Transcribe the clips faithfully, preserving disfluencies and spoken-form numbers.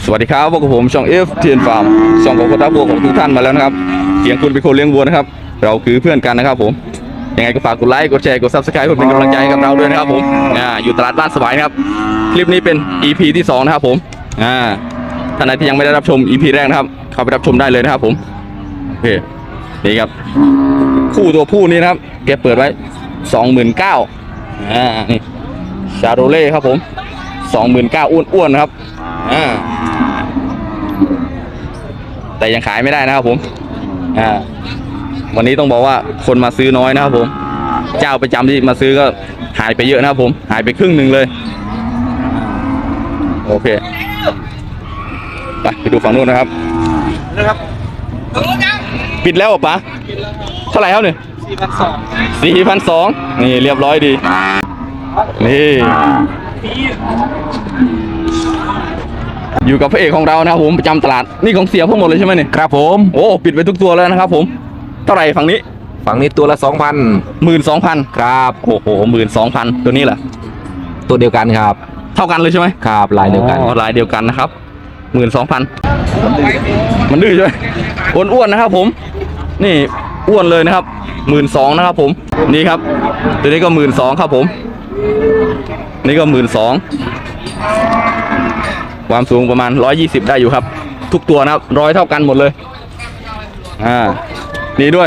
สวัสดีครับพวกผมช่องเอฟเทียนฟาร์มช่องของคนรักวัวของทุกท่านมาแล้วนะครับเสียงคุณเป็นคนเลี้ยงวัวนะครับเราคือเพื่อนกันนะครับผมยังไงก็ฝากกดไลค์กดแชร์กดซับสไครป์เพื่อเป็นกำลังใจให้กับเราด้วยนะครับผมอ่าอยู่ตลาดบ้านสบายนะครับคลิปนี้เป็น อี พี ที่สองนะครับผมอ่าท่านใดที่ยังไม่ได้รับชม อี พี แรกนะครับเข้าไปรับชมได้เลยนะครับผมโอเคนี่ครับคู่ตัวผู้นี้นะครับแกเปิดไว้ สองหมื่นเก้าพัน อ่านี่ชาโรเล่ครับผม สองหมื่นเก้าพัน อ้วนๆนะครับอ่าแต่ยังขายไม่ได้นะครับผมอ่าวันนี้ต้องบอกว่าคนมาซื้อน้อยนะครับผมเจ้าประจำที่มาซื้อก็หายไปเยอะนะครับผมหายไปครึ่งหนึ่งเลยโอเคไปไปดูฝั่งนู้นนะครับนะครับปิดแล้วเหรอป๊าเท่าไหร่ครับเนี่ยสี่พันสองสี่พันสองนี่เรียบร้อยดีนี่อยู่กับพระเอกของเรานะครับผมประจำตลาดนี่ของเสียพวกหมดเลยใช่ไหมเนี่ยครับผมโอ้ปิดไปทุกตัวแล้วนะครับผมเท่าไหร่ฝั่งนี้ฝั่งนี้ตัวละสองพันหมื่นสองพันครับโอ้โหหมื่นสองพันตัวนี้แหละตัวเดียวกันครับเท่ากันเลยใช่ไหมครับลายเดียวกันลายเดียวกันนะครับหมื่นสองพันมันดื้อใช่ไหมอ้วนๆนะครับผมนี่อ้วนเลยนะครับหมื่นสองนะครับผมนี่ครับตัวนี้ก็หมื่นสองครับผมนี่ก็หมื่นสองความสูงประมาณร้อยยี่สิบได้อยู่ครับทุกตัวนะครับร้อยเท่ากันหมดเลยอ่านี่ด้วย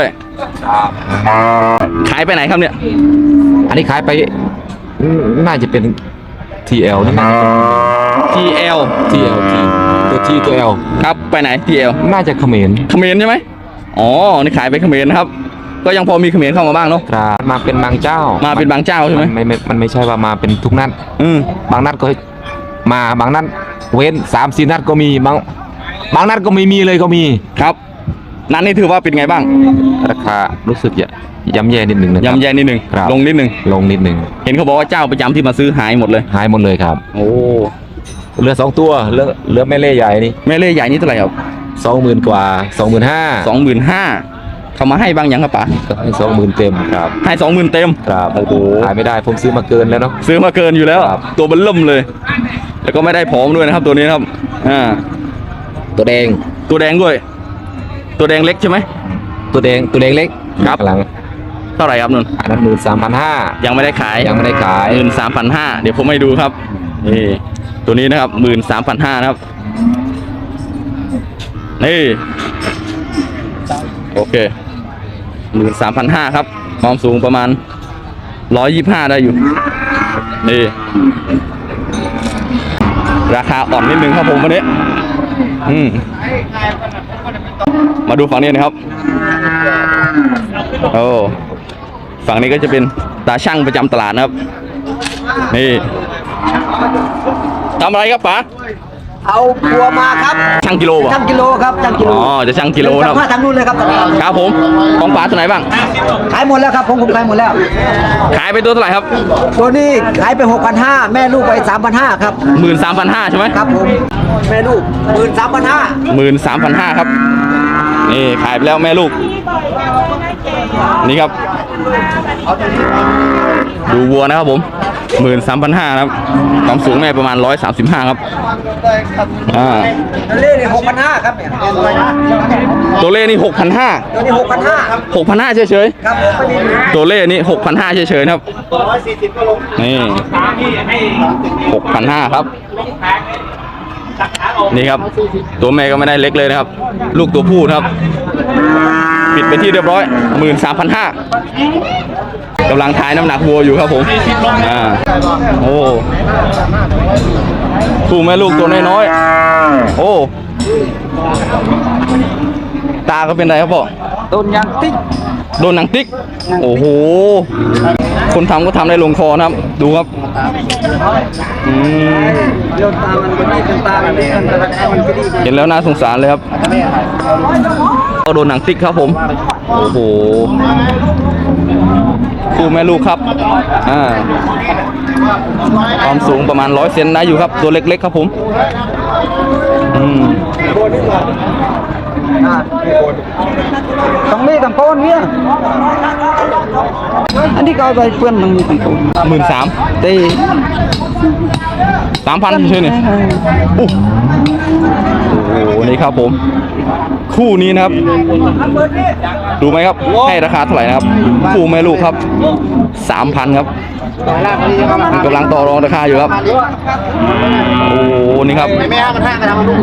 ขายไปไหนครับเนี่ยอันนี้ขายไปน่าจะเป็น ที แอล นี่นะที แอลที แอล ทีตัว T ตัว L ครับไปไหน ที แอลน่าจะเขมรเขมรใช่ไหมอ๋อนี่ขายไปเขมรนะครับก็ยังพอมีเขมรเข้ามาบ้างเนาะครับมาเป็นบางเจ้ามาเป็นบางเจ้าใช่ไหมไม่ไม่มันไม่ใช่ว่ามาเป็นทุกนัดอืมบางนัดก็มาบางนัดเว้นสามสี่นัดก็มีบางบางนัดก็ไม่มีเลยก็มีครับนั้นนี่ถือว่าเป็นไงบ้างราคารู้สึกจะย่ำแย่นิดหนึ่งนะย่ำแย่นิดหนึ่งลงนิดหนึ่งลงนิดหนึ่งเห็นเขาบอกว่าเจ้าประจำที่มาซื้อหายหมดเลยหายหมดเลยครับโอ้เหลือสองตัวเหลือเหลือแม่เล่ใหญ่นี่แม่เล่ใหญ่นี่เท่าไหร่ครับสองหมื่นกว่าสองหมื่นห้าสองหมื่นห้าเขามาให้บางอย่างครับป๋าให้สองหมื่นเต็มครับให้สองหมื่นเต็มครับโอ้โหขายไม่ได้ผมซื้อมาเกินแล้วเนาะซื้อมาเกินอยู่แล้วตัวเบิ่มเลยแล้วก็ไม่ได้ผอมด้วยนะครับตัวนี้ครับอ่าตัวแดงตัวแดงด้วยตัวแดงเล็กใช่ไหมตัวแดงตัวแดงเล็กครับหลังเท่าไหร่ครับนุ่นอันนั้นหมื่นสามพันห้ายังไม่ได้ขายยังไม่ได้ขายหมื่นสามพันห้าเดี๋ยวผมให้ดูครับนี่ตัวนี้นะครับหมื่นสามพันห้านะครับนี่โอเคหมื่นสามพันห้าครับความสูงประมาณร้อยยี่สิบห้าได้อยู่นี่ราคาอ่อนนิดนึงครับผมวันนี้อืมมาดูฝั่งนี้นะครับโอ้ฝั่งนี้ก็จะเป็นตาช่างประจำตลาดนะครับนี่ทำอะไรครับป๋าเอาบัวมาครับช่างกิโลป่ะช่างกิโลครับช่างกิโลอ๋อจะช่างกิโลครับทางนู้นเลยครับครับผมของป๋าตัวไหนบ้างขายหมดแล้วครับผมผมขายหมดแล้วขายไปตัวเท่าไหร่ครับตัวนี้ขายไปหกพันห้าแม่ลูกไปสามพันห้าครับหมื่นสามพันห้าใช่ไหมครับผมแม่ลูกหมื่นสามพันห้าหมื่นสามพันห้าครับนี่ขายไปแล้วแม่ลูกนี่ครับดูวัวนะครับผมหมื่นสามพันห้าครับความสูงแม่ประมาณร้อยสามสิบห้าครับอ่าตัวเล่นี่หกพันห้าครับเนี่ยตัวเล่นี่หกพันห้าตัวนี้หกพันห้าหกพันห้าเฉยๆครับตัวเล่นี่หกพันห้าเฉยๆครับนี่หกพันห้าครับนี่ครับตัวแม่ก็ไม่ได้เล็กเลยนะครับลูกตัวผู้ครับปิดไปที่เรียบร้อยหมื่นสามพันห้ากำลังถ่ายน้ำหนักวัวอยู่ครับผมอ่าโอ้คู่แม่ลูกตัวน้อยๆโอ้ตาก็เป็นไรครับพ่อโดนยางติ๊กโดนหนังติ๊กโอ้โหคนทำก็ทำได้ลงคอนะครับดูครับอืมโดนตามันก็ดีเป็นตามันดีมันก็ดีเห็นแล้วน่าสงสารเลยครับก็โดนหนังติ๊กครับผมโอ้โหคู่แม่ลูกครับอ่าความสูงประมาณร้อยเซนได้อยู่ครับตัวเล็กๆครับผมอืมต้องมีกับโคนเนี่ยอันนี้ก็เอาไปเพื่อนมันมีกี่ตัวหมื่นสามตีสามพันใช่ไหมอู้โอ้โหนี่ครับผม คู่นี้นะครับ ดูไหมครับ ให้ราคาเท่าไหร่นะครับ คู่แม่ลูกครับสามพันครับกำลังต่อรองราคาอยู่ครับ โอ้โหนี่ครับไม่ห้ามันห้ากันทำลูก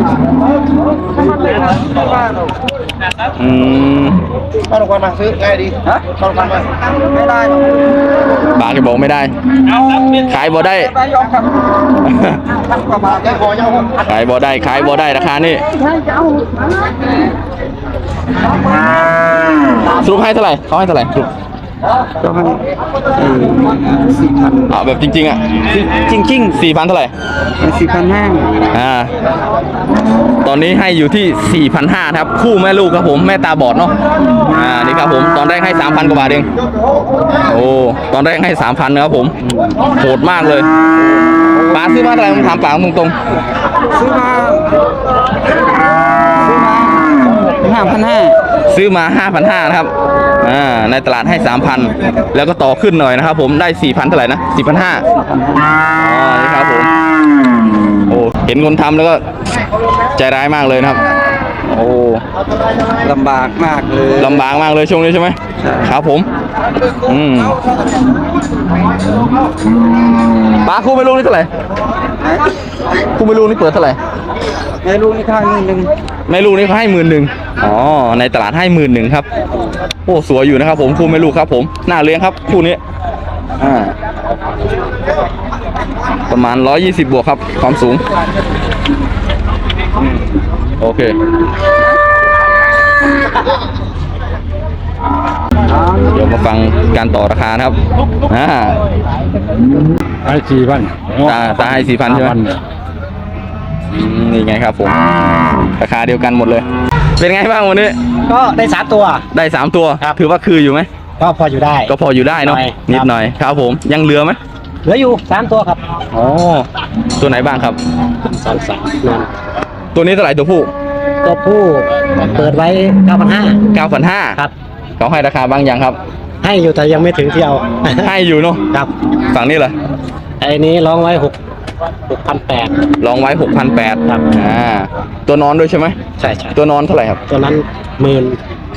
อืมเข้าโรงพยาบาลมาซื้อง่ายดีฮะเข้าโรงพยาบาลมาไม่ได้บาทก็บอกไม่ได้ ขายบ่ได้ยอมครับพันกว่าบาทแค่พอยังขายบ่ได้ ขายบ่ได้ราคานี่สรุปให้เท่าไหร่เขาให้เท่าไหร่สรุปก็ให้สี่พันอ่าแบบจริงๆอ่ะจริงจริงสี่พันเท่าไหร่สี่พันห้าอ่า ตอนนี้ให้อยู่ที่ สี่พันห้าร้อย ครับ คู่แม่ลูกครับผม แม่ตาบอดเนาะ อ่า นี่ครับผม ตอนแรกให้ สามพัน กว่าบาทเอง โอ้ ตอนแรกให้ สามพัน นะครับผม โหดมากเลยป๋าซื้อมาเท่าไหร่ผมถามป๋าตรงซื้อมาซื้อมาห้าพันห้าๆ ซื้อมา ห้าพันห้าร้อย นะครับ อ่า ในตลาดให้ สามพัน แล้วก็ต่อขึ้นหน่อยนะครับผม ได้ สี่พัน เท่าไหร่นะ สี่พันห้าร้อย อ๋อ นี่ครับผม โอ้ เห็นคนทำแล้วก็ใจร้ายมากเลยนะครับ โอ้ลำบากมากเลยลำบากมากเลยช่วงนี้ใช่ไหมครับผม อืมปลาคู่ไม่ลูกนี่เท่าไหร่คู่ไม่ลูกนี่เปิดเท่าไหร่ในลูกนี่ค่าเงินหนึ่งไม่ลูกนี่เขาให้หมื่นหนึ่งอ๋อ ในตลาดให้หมื่นหนึ่งครับ โอ้ สวยอยู่นะครับผม คู่ไม่ลูกครับผม น่าเลี้ยงครับ คู่นี้ อ่า ประมาณร้อยยี่สิบบวกครับ ความสูง โอเค เดี๋ยวมาฟังการต่อราคานะครับ อ่าไอ้สี่พันตาตาให้สี่พันใช่ไหมอืมนี่ไงครับผม ราคาเดียวกันหมดเลย เป็นไงบ้างวันนี้ก็ได้สามตัวได้สามตัวครับถือว่าคืออยู่ไหมก็พออยู่ได้ก็พออยู่ได้เนาะหน่อยนิดครับหน่อย ครับผม ยังเหลือไหมเหลืออยู่สามตัวครับอ๋อ ตัวไหนบ้างครับสามสามนั่นตัวนี้เท่าไหร่ตัวผู้ตัวผู้เปิดไว้เก้าพันห้าเก้าพันห้าครับเขาให้ราคาบางอย่างครับให้อยู่แต่ยังไม่ถึงที่เอาให้อยู่เนาะครับฝั่งนี้เหรอไอ้นี้ร้องไว้หกหกพันแปดลองไว้หกพันแปดครับอ่า ตัวนอนด้วยใช่ไหมใช่ใช่ตัวนอนเท่าไหร่ครับตัวนั้นหมื่น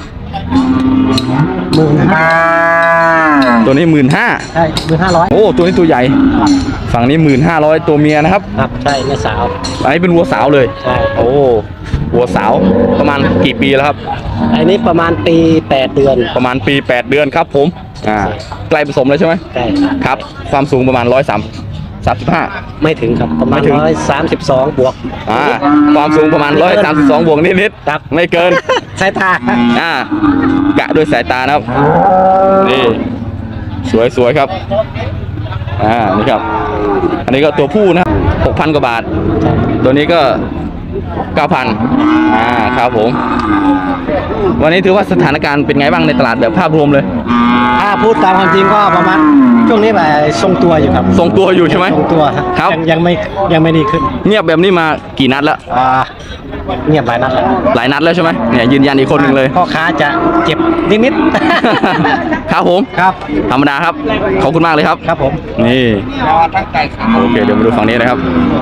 หมื่นตัวนี้หมื่นห้าใช่หมื่นห้าร้อยโอ้ ตัวนี้ตัวใหญ่ ฝั่งนี้หมื่นห้าร้อยตัวเมียนะครับครับใช่แม่สาวอันนี้เป็นวัวสาวเลยใช่โอ้ วัวสาวประมาณกี่ปีแล้วครับไอ้นี้ประมาณปีแปดเดือนประมาณปีแปดเดือนครับผม อ่า ใกล้ผสมแล้วใช่ไหมใช่ครับ ความสูงประมาณร้อยสามสามสิบห้าไม่ถึงครับประมาไม่ณถึงร้อยสามสิบสองบวกอ่า ความสูงประมาณร้อยสามสิบสองบวกนิดครับๆ ไม่เกินสายตาอ่า กะด้วยสายตานะครับ นี่ สวยสวยครับ อ่า นี่ครับ อันนี้ก็ตัวผู้นะครับหกพันกว่าบาท ตัวนี้ก็เก้าพันอ่า ครับผม วันนี้ถือว่าสถานการณ์เป็นไงบ้างในตลาดแบบภาพรวมเลยถ้าพูดตามความจริงก็ประมาณช่วงนี้แบบทรงตัวอยู่ครับทรงตัวอยู่ใช่ไหมทรงตัวครับยังยังไม่ยังไม่ดีขึ้นเงียบแบบนี้มากี่นัดแล้วอ่าเงียบหลายนัดแล้วหลายนัดแล้วใช่ไหมเนี่ยยืนยันอีกคนหนึ่งเลยพ่อค้าจะเจ็บนิดๆครับผมครับธรรมดาครับ ขอบคุณมากเลยครับครับผมนี่ โอเค เดี๋ยวมาดูฝั่งนี้นะครับ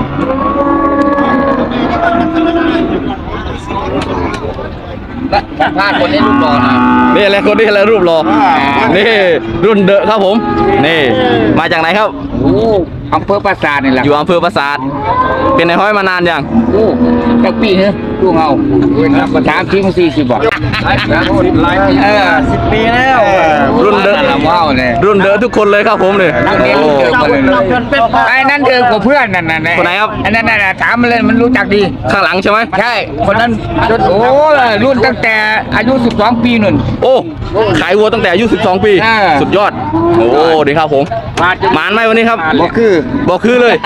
พลาดคนนี้ลูกบอลนะนี่อะไรคนนี้อะไรรูปรอ นี่รุ่นเดอะครับผม นี่ มาจากไหนครับโอ้อำเภอปราสาทนี่แหละอยู่อำเภอปราสาท เป็นในห้อยมานานยังโอ้จักปีเนอะลูกเอาประถามทีมสี่สิบบอกเออสิบปีแล้วรุ่นเดอะว้าวเลยรุ่นเดอะทุกคนเลยครับผมเนี่ยนักเรียนโอ้รุ่นเดิมมาเลยไอ้นั่นเดิมกับเพื่อนนั่นน่ะคนไหนครับอันนั้นน่ะถามมันเลยมันรู้จักดีข้างหลังใช่ไหมใช่ คนนั้นโอ้รุ่นตั้งแต่อายุสิบสองปีนุ่นโอ้ ขายวัวตั้งแต่อายุสิบสองปีอ่าสุดยอด โอ้ดีครับผมหมานไหมวันนี้ครับบ่คือบอกคือเลย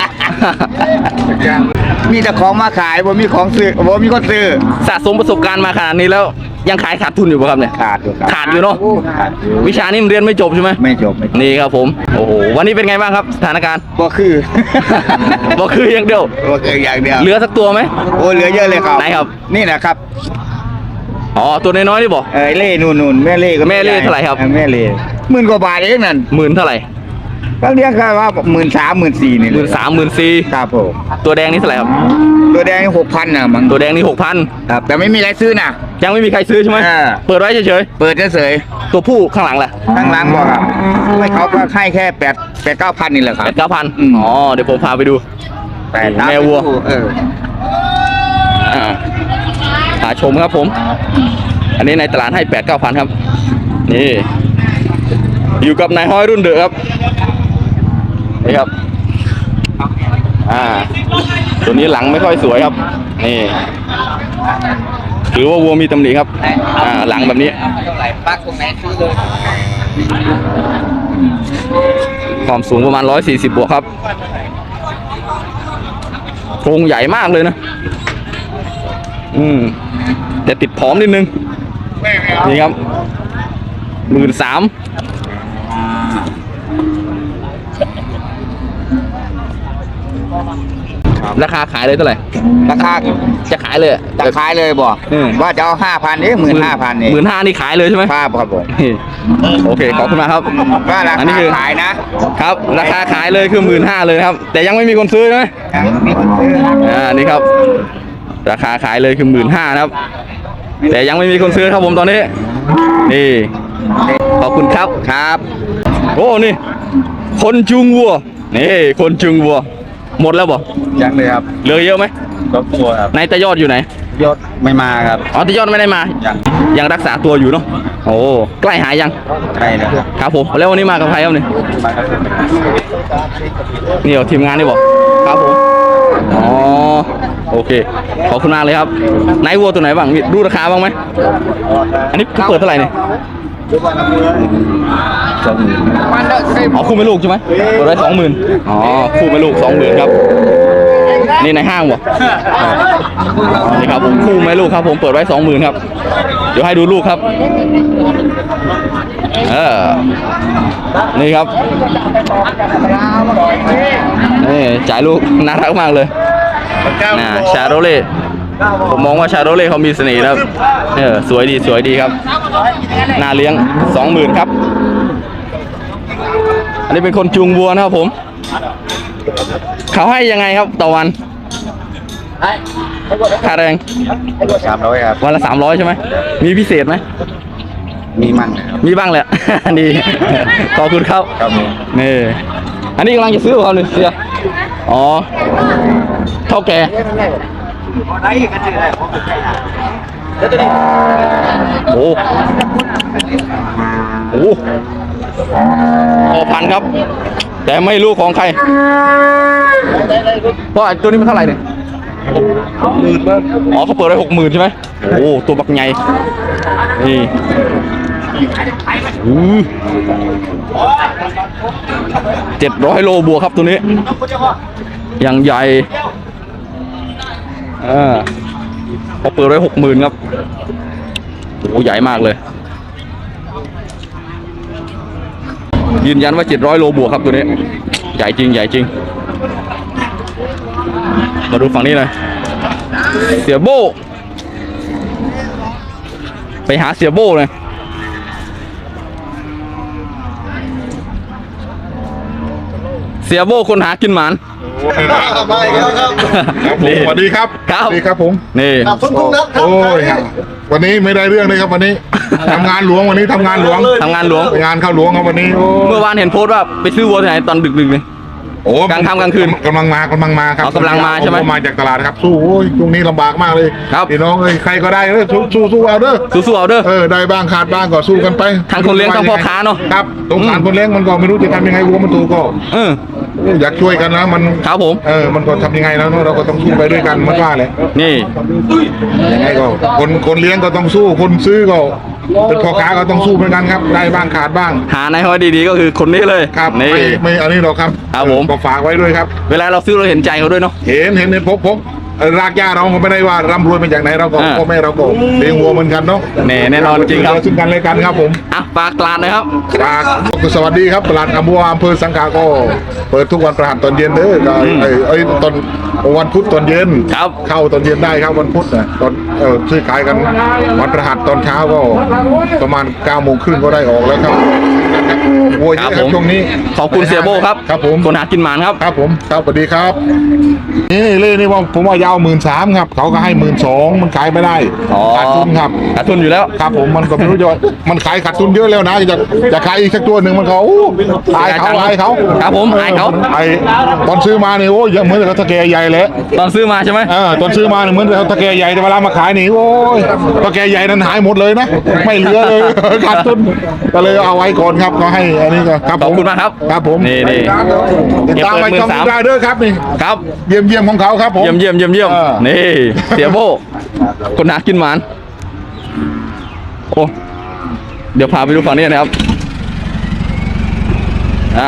มีแต่ของมาขายบ่มีของซื้อบ่มีคนซื้อสะสมประสบการณ์มาขนาดนี้แล้วยังขายขาดทุนอยู่ป่ะครับเนี่ยขาดอยู่ครับขาดอยู่เนาะวิชานี้มันเรียนไม่จบใช่ไหมไม่จบไม่จบนี่ครับผมโอ้โหวันนี้เป็นไงบ้างครับสถานการณ์บ่คือบอกคืออย่างเดียวบ่คืออย่างเดียวเหลือสักตัวไหมโอ้เหลือเยอะเลยครับไหนครับนี่นะครับอ๋อตัวน้อยๆนี่บอกเออเล่นู่นๆแม่เล่ก็แม่เล่เท่าไหร่ครับแม่เล่หมื่นกว่าบาทเองนั่นหมื่นเท่าไหร่ก็เรียกกันว่าหมื่นสามหมื่นสี่นี่หมื่นสามหมื่นสี่ครับผมตัวแดงนี่เท่าไหร่ครับตัวแดงหกพันนะมั้งตัวแดงนี่หกพันครับแต่ไม่มีอะไรซื้อนะยังไม่มีใครซื้อใช่ไหมอ่าเปิดไว้เฉยเปิดเฉยๆตัวผู้ข้างหลังแหละๆทั้งร้านบอกครับไม่เขาก็ให้แค่แปดแปดเก้าพันนี่แหละครัแปบดเก้าพันอืมอ๋อเดี๋ยวผมพาไปดูแปดแม่วัวเอออ่าหาชมครับผม อันนี้ในตลาดให้แปดเก้าพันครับนี่อยู่กับนายห้อยรุ่นเดอะครับนี่ครับอ่าตัวนี้หลังไม่ค่อยสวยครับนี่ถือว่าวัวมีตำหนิครับอ่าหลังแบบนี้ปักตรงไหนซื้อเลยความสูงประมาณร้อยสี่สิบบวกครับโครงใหญ่มากเลยนะอืมแต่ติดผอมนิดนึงนี่ครับหมื่นสามราคาขายเลยเท่าไหร่ราคาจะขายเลยจะขายเลยบอกอืมว่าจะเอาห้าพันเอ๊ะหมื่นห้าพันเองหมื่นห้านี่ขายเลยใช่ไหมครับครับผมโอเคขอบคุณมากครับก็ราอันนี้คาคือขายนะครับราคาขายเลยคือหมื่นห้าเลยครับ แต่ยังไม่มีคนซื้อใช่ไหมมีคนซื้ออ่านี่ครับ ราคาขายเลยคือหมื่นห้านะครับ แต่ยังไม่มีคนซื้อครับผมตอนนี้ นี่ ขอบคุณครับครับ โอ้นี่ คนจุงวัว นี่ คนจุงวัว หมดแล้วบ่ยังเลยครับเหลือเยอะไหมรถตัวครับนายตายอดอยู่ไหนยศไม่มาครับอ๋อตายอดไม่ได้มายังยังรักษาตัวอยู่เนาะโอ้ใกล้หายยังใช่นะครับครับผมแล้ววันนี้มากับใครครับเนี่ยนี่เหรอทีมงานนี่บอกครับผมอ๋อโอเคขอบคุณมากเลยครับนายวัวตัวไหนบ้างมีรู้ราคาบ้างไหมอันนี้เปิดเท่าไหร่เนี่ยอ๋อคู่ไม่ลูกใช่ไหมเปิดไว้สองหมื่นอ๋อคู่ไม่ลูกสองหมื่นครับนี่ในห้างวะนี่ครับผมคู่ไม่ลูกครับผมเปิดไว้สองหมื่นครับเดี๋ยวให้ดูลูกครับเออนี่ครับนี่จ่ายลูกน่ารักมากเลยนะชาโรเล่ผมมองว่าชาโรเล่เขามีเสน่ห์นะครับเออสวยดีสวยดีครับน่าเลี้ยงสองหมื่นครับอันนี้เป็นคนจูงวัวนะครับผมเขาให้ยังไงครับต่อวันค่าแรงสามร้อยครับวันละสามร้อยใช่ไหมมีพิเศษไหมมีมั่งนะครับมีบ้างแหละ ดี ขอบคุณครับครับผมนี่ อันนี้กำลังจะซื้อเขาเลยเสียอ๋อ เท่าแก่โอ้โหพอพันครับ แต่ไม่รู้ของใคร เพราะไอ้ตัวนี้มันเท่าไหร่เนี่ยหมื่นอ๋อเขาเปิดไว้หกหมื่นใช่ไหมโอ้ตัวบักใหญ่นี่เจ็ดร้อยโลบวกครับตัวนี้อย่างใหญ่อ่าเขาเปิดไว้หกหมื่นครับโอ้ใหญ่มากเลยยืนยันว่าเจ็ดร้อยโลบวกครับตัวนี้ใหญ่จริงใหญ่จริงมาดูฝั่งนี้หน่อยเสียโบไปหาเสียโบเลยเสียโบคนหากินหมานไม่ครับครับผมสวัสดีครับครับสวัสดีครับผมนี่โอ้ยครับวันนี้ไม่ได้เรื่องเลยครับวันนี้ ทำงานหลวงวันนี้ทำงานหลวงทำงานหลวงงานเข้าหลวงครับวันนี้โอ้เมื่อวานเห็นโพสต์ว่าไปซื้อวัวที่ไหนตอนดึกๆเลยโอ้กลางค่ำกลางคืนกำลังมากำลังมาครับอ๋อกำลังมาใช่ไหมผมาจากตลาดครับสู้โอ้ยช่วงนี้ลำบากมากเลยครับพี่น้องเอ้ยใครก็ได้เออสู้สู้สู้เอาเด้อสู้ๆเอาเด้อเออได้บ้างขาดบ้างก็สู้กันไปทั้งคนเลี้ยงทั้งพ่อค้าเนอะครับสงสารคนเลี้ยงมันก็ไม่รู้จะทำยังไงวัวมันถูกก็เอออยากช่วยกันนะมันครับผมเออมันก็ทำยังไงแล้วเนอะเราก็ต้องสู้ไปด้วยกันมันว่าเลยนี่ยังไงก็คนคนเลี้ยงก็ต้องสู้คนซื้อก็เป็นพ่อค้าก็ต้องสู้เหมือนกันครับได้บ้างขาดบ้างหานายห้อยดีๆก็คือคนนี้เลยครับนี่ไม่ไม่อันนี้หรอกครับครับผมก็ฝากไว้ด้วยครับเวลาเราซื้อเราเห็นใจเขาด้วยเนาะเห็นเห็นเห็นพบพบเอ่อรากหญ้าเราก็ไม่ได้ว่าร่ำรวยมาจากไหนเราก็อ่าพ่อแม่เราก็เลี้ยงวัวเหมือนกันเนาะแน่แน่นอนจริงครับซึ่งกันและกันครับผมอ่ะฝากตลาดหนะครับฝากสวัสดีครับตลาดอัมพวาอำเภอสังขะก็เปิดทุกวันประหัสตอนเย็นเด้อก็อืมเอ้ยเอ้ยตอนวันพุธตอนเย็นครับเข้าตอนเย็นได้ครับวันพุธนะตอนเออซื้อขายกันวันประหัสตอนเช้าก็ประมาณเก้าโมงครึ่งก็ได้ออกแล้วครับวัวเยครัอะบครัผบมช่วงนี้ขอบคุณเสียโบครับครับผมคนหากินหมานครับครับผมครับสวัสดีครับ นี่เล่นี่ว่าผมว่ายาวหมื่นสามครับเขาก็ให้หมื่นสองมันขายไม่ได้อ๋อขาดทุนครับขาดทุนอยู่แล้วครับผมมันก็ไม่รู้จะว่ามันขายขาดทุนเยอะแล้วนะจะจะขายอีกสักตัวหนึ่งมันเขาอู้อายเขาอายเขาครับผมอายเขาไอ้ตอนซื้อมาเนี่ยโอ้ยเหมือนกับตะแกใหญ่เลยตอนซื้อมาใช่ไหมเออตอนซื้อมาเนี่ยเหมือนกับตะแกใหญ่แต่เวลามาขายนี่โอ้ยตะแกใหญ่นั้นหายหมดเลยนะไม่เหลือเลย ขาดทุนก็เลยเอาไว้ก่อนครับก็ให้อันนี้ก็ครับขผอบมคุณมากครับครับผมนี่นี่ติดตามไปช่องได้เด้อครับนี่ครับเยี่ยมเยี่ยมของเขาครับผมเยี่ยมเยี่ยมเยี่ยมเยี่ยมเออนี่เสียโบคนหากินหมานโอ้เดี๋ยวพาไปดูฝั่งนี้นะครับอ่า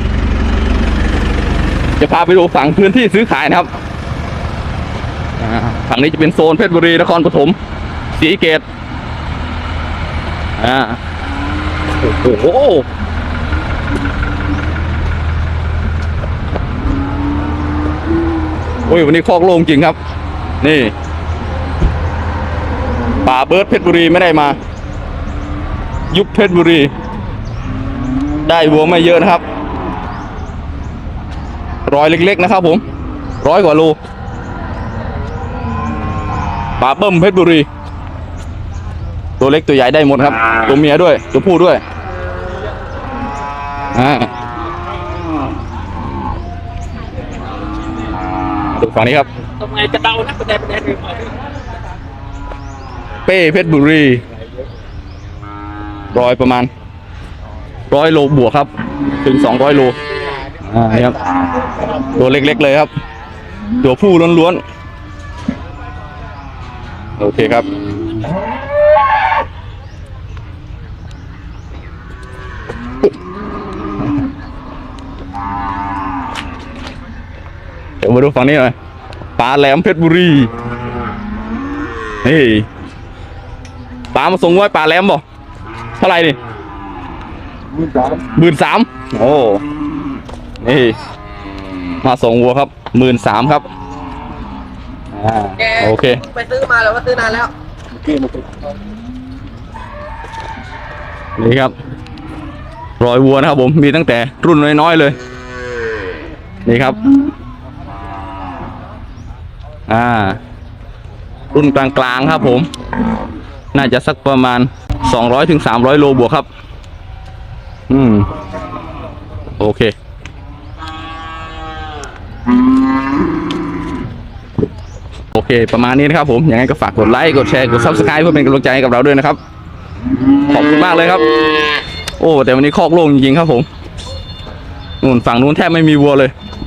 จะพาไปดูฝั่งพื้นที่ซื้อขายนะครับอ่าฝั่งนี้จะเป็นโซนเพชรบุรีนครปฐมศรีสะเกษอ่าโอ้โหโอ้ยวันนี้คอกโล่งจริงครับ นี่ป่าเบิร์ดเพชรบุรีไม่ได้มา ยุบเพชรบุรี ได้วัวไม่เยอะนะครับรอยเล็กๆนะครับผมร้อยกว่าโลป่าเบิ้มเพชรบุรี ตัวเล็กตัวใหญ่ได้หมดครับตัวเมียด้วยตัวผู้ด้วยอ่าดูฝั่งนี้ครับเป้เพชรบุรีร้อยประมาณร้อยโลบวกครับ ถึงสองร้อยโลอ่านี่ครับตัวเล็กๆเลยครับ ตัวผู้ล้วนๆโอเคครับเดี๋ยวมาดูฝั่งนี้หน่อยปลาแหลมเพชรบุรีนี่ปลามาส่งไว้ปลาแหลมบ่เท่าไหร่นี่หมื่นสามโอ้นี่มาส่งวัวครับหมื่นสามครับอ่าโอเคไปซื้อมาแล้วว่าซื้อนานแล้วนี่ครับรอยวัวนะครับผมมีตั้งแต่รุ่นน้อยๆเลยนี่ครับอ่ารุ่นกลางๆครับผมน่าจะสักประมาณสองร้อยถึงสามร้อยโลบวกครับอืมโอเคโอเคประมาณนี้นะครับผมยังไงก็ฝากกดไลค์กดแชร์กด ซับสไครบ์ เพื่อเป็นกำลังใจให้กับเราด้วยนะครับขอบคุณมากเลยครับโอ้แต่วันนี้คอกโล่งจริงๆครับผมนู่นฝั่งนู้นแทบไม่มีวัวเลย